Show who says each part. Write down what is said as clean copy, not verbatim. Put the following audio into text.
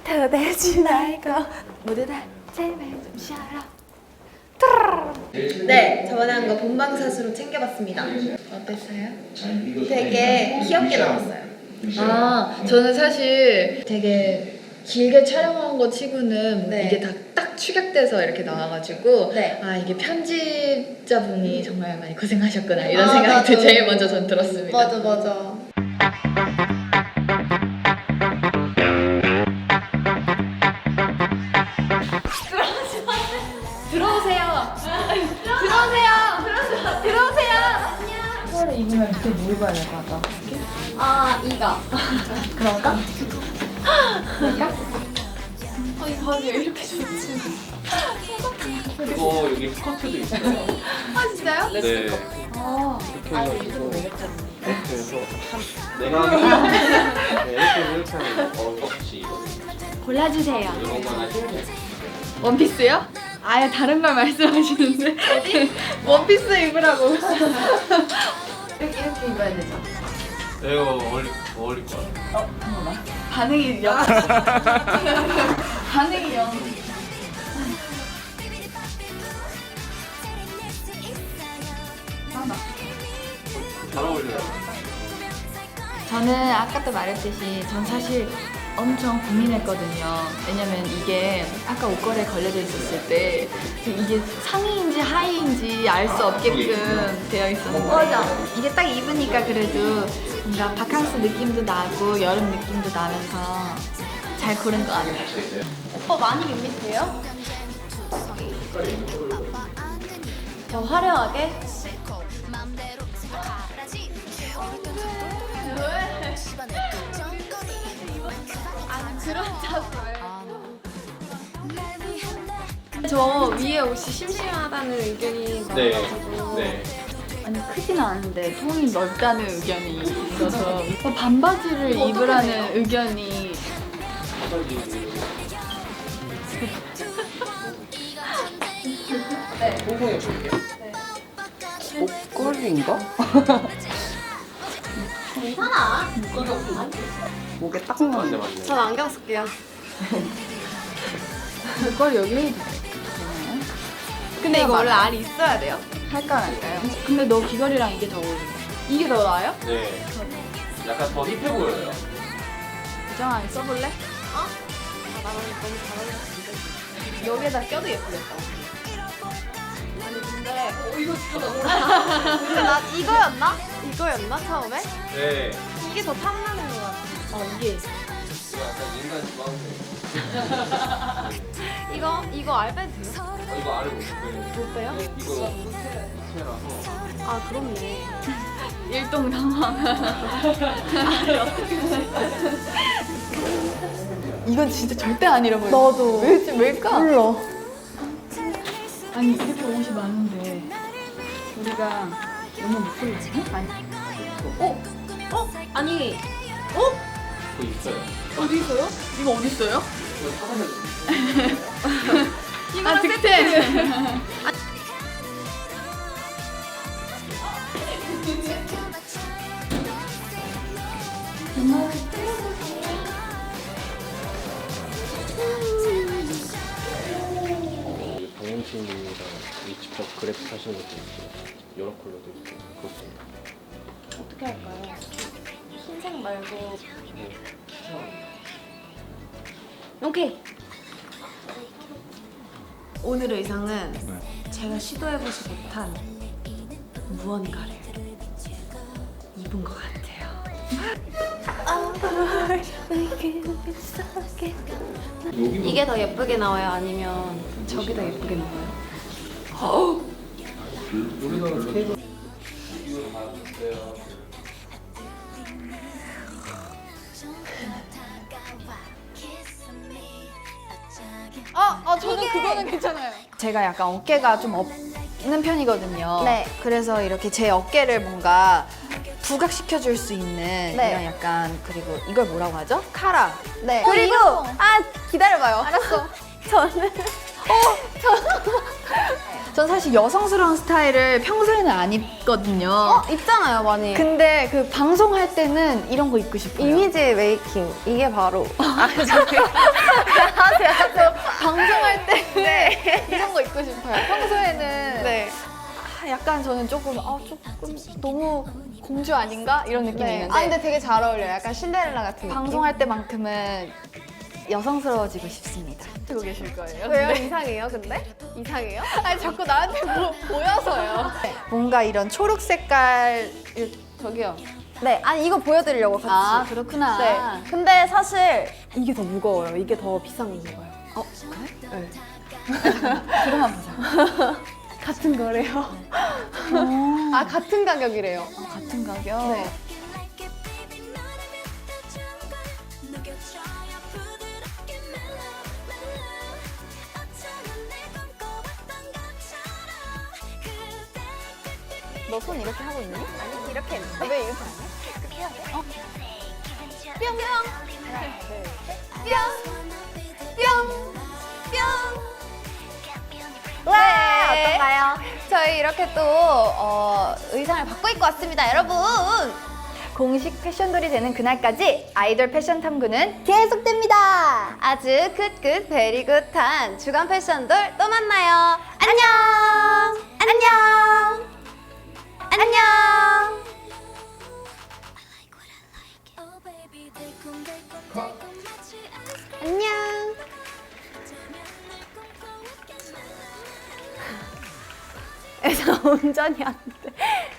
Speaker 1: 도대체 날거 모두 다 제발 좀 쉬어라.
Speaker 2: 네, 저번에 한 거 본방사수로 챙겨봤습니다. 어땠어요? 되게 귀엽게 나왔어요.
Speaker 3: 아, 저는 사실 되게 길게 촬영한 거 치고는
Speaker 2: 네.
Speaker 3: 이게 다 딱 축약돼서 이렇게 나와가지고
Speaker 2: 네.
Speaker 3: 아, 이게 편집자분이 정말 많이 고생하셨구나 이런
Speaker 2: 아,
Speaker 3: 생각이
Speaker 2: 맞아.
Speaker 3: 제일 먼저 전 들었습니다.
Speaker 2: 맞아.
Speaker 3: 들어오세요. 이거를 입으면 밑에 뭐 입어야 될 것 같아?
Speaker 1: 아 이거.
Speaker 3: 그런가?
Speaker 1: 이 바지 왜 이렇게 좋지?
Speaker 4: 이거 여기 스커트도 있어요.
Speaker 1: 아 진짜요?
Speaker 4: 네. 이렇게
Speaker 1: 아.
Speaker 4: 해가지고 이렇게 해서 내가 네, 이렇게 하면 껍질 이거
Speaker 1: 골라주세요.
Speaker 4: 이런 거 하시면 돼요.
Speaker 3: 원피스요? 아예 다른 걸 말씀하시는데 원피스 입으라고. 이렇게 입어야 되죠?
Speaker 4: 이거 어울릴 것 같아요.
Speaker 3: 반응이 영. 반응이 영.
Speaker 4: 잘 어울려요.
Speaker 3: 저는 아까도 말했듯이 전 사실 엄청 고민했거든요. 왜냐면 이게 아까 옷걸이에 걸려져 있었을 때 이게 상의인지 하의인지 알 수 없게끔 되어 있었는데
Speaker 1: 맞아.
Speaker 3: 이게 딱 입으니까 그래도 뭔가 바캉스 느낌도 나고 여름 느낌도 나면서 잘 고른 것 같아요.
Speaker 1: 오빠 많이 밋밋해요? 더 화려하게? 저 위에 옷이 심심하다는 의견이
Speaker 4: 네.
Speaker 1: 많아가지고
Speaker 4: 네.
Speaker 3: 아니 크지는 않은데 통이 넓다는 의견이 있어서 반바지를 입으라는 의견이
Speaker 4: 홍콩에 볼게요.
Speaker 5: 옷걸이인가?
Speaker 1: 괜찮아.
Speaker 5: 목에 딱
Speaker 4: 맞네
Speaker 5: 맞네.
Speaker 4: 맞네.
Speaker 1: 전 안경 쓸게요.
Speaker 3: 그걸 여기 해도
Speaker 1: 근데 이거 원래 알이 있어야 돼요.
Speaker 3: 할까 말까요? 근데 너 귀걸이랑 이게 더 어울려.
Speaker 1: 이게 더 나아요?
Speaker 4: 네. 약간 더 힙해 보여요.
Speaker 3: 부정하게 써볼래?
Speaker 1: 아, 나랑 너무 잘 어울리는데.
Speaker 3: 여기에다 껴도 예쁘겠다.
Speaker 1: 아니 근데 이거 진짜 근데 나 이거였나? 이거였나 처음에?
Speaker 4: 네.
Speaker 1: 이게 더 탐나는 것 같아.
Speaker 3: 이게
Speaker 4: 이거 약간 인간 지방생.
Speaker 1: 이거 알 빼도 돼요?
Speaker 4: 이거 알을 못 빼요.
Speaker 1: 못 빼요?
Speaker 4: 이거 호텔라서.
Speaker 1: 아 그렇네.
Speaker 3: 일동당황. 이건 진짜 절대 안 잃어버려.
Speaker 1: 나도.
Speaker 3: 왜일까?
Speaker 1: 몰라.
Speaker 3: 아니 이렇게 옷이 많은데 우리가 너무 못 골랐지? 아니
Speaker 1: 아니
Speaker 4: 그거 있어요.
Speaker 3: 어디 있어요? 이거 어디 있어요?
Speaker 4: 이거 사가면
Speaker 3: 아 득템.
Speaker 4: 방영진이랑 이 직접 그래프 하시는 것도 있고 여러 컬러도 있고 그렇습니다.
Speaker 1: 어떻게 할까요? 흰색 말고. 오케이. 오늘 의상은 제가 시도해보지 못한 무언가를 입은 것 같아요. 이게 더 예쁘게 나와요? 아니면 저게 더 예쁘게 나와요?
Speaker 4: 우리나라 스케이트 이거 다 있어요.
Speaker 1: 저는 그거는 괜찮아요.
Speaker 3: 제가 약간 어깨가 좀 없는 편이거든요.
Speaker 1: 네.
Speaker 3: 그래서 이렇게 제 어깨를 뭔가 부각시켜줄 수 있는 이런 약간 그리고 이걸 뭐라고 하죠? 카라.
Speaker 1: 네.
Speaker 3: 그리고
Speaker 1: 기다려봐요. 알았어. 저는
Speaker 3: 전 사실 여성스러운 스타일을 평소에는 안 입거든요.
Speaker 1: 입잖아요, 많이.
Speaker 3: 근데 그 방송할 때는 이런 거 입고 싶어요.
Speaker 1: 이미지 메이킹. 이게 바로.
Speaker 3: 방송할 때는 이런 거 입고 싶어요. 평소에는
Speaker 1: 네.
Speaker 3: 약간 저는 조금 너무 공주 아닌가 이런 느낌이
Speaker 1: 네.
Speaker 3: 있는데
Speaker 1: 아, 근데 되게 잘 어울려요. 약간 신데렐라 같은 느낌.
Speaker 3: 방송할 때만큼은 여성스러워지고 싶습니다. 듣고 계실 거예요.
Speaker 1: 왜요? 이상해요, 근데? 이상해요?
Speaker 3: 아니 자꾸 나한테 보여서요. 뭔가 이런 초록 색깔 저기요.
Speaker 1: 네. 아니, 이거 보여드리려고 같이.
Speaker 3: 아 그렇구나.
Speaker 1: 네. 근데 사실 이게 더 무거워요. 이게 더 비싼 건가요?
Speaker 3: 그래?
Speaker 1: 네.
Speaker 3: 들어만 보자.
Speaker 1: 같은 거래요. 아, 같은 가격이래요.
Speaker 3: 같은 가격.
Speaker 1: 네.
Speaker 3: 너 손 이렇게 하고 있니?
Speaker 1: 아니, 이렇게 했는데. 왜 이렇게 안 해? 이렇게 해야 돼?
Speaker 3: 뿅뿅.
Speaker 1: 와, 어떤가요? 저희 이렇게 또 의상을 바꿔 입고 왔습니다, 여러분.
Speaker 3: 공식 패션돌이 되는 그날까지 아이돌 패션 탐구는 계속됩니다.
Speaker 1: 아주 굿굿 베리굿한 주간 패션돌 또 만나요. 안녕. 안녕. 안녕. 안녕. 애서 운전이 안 돼.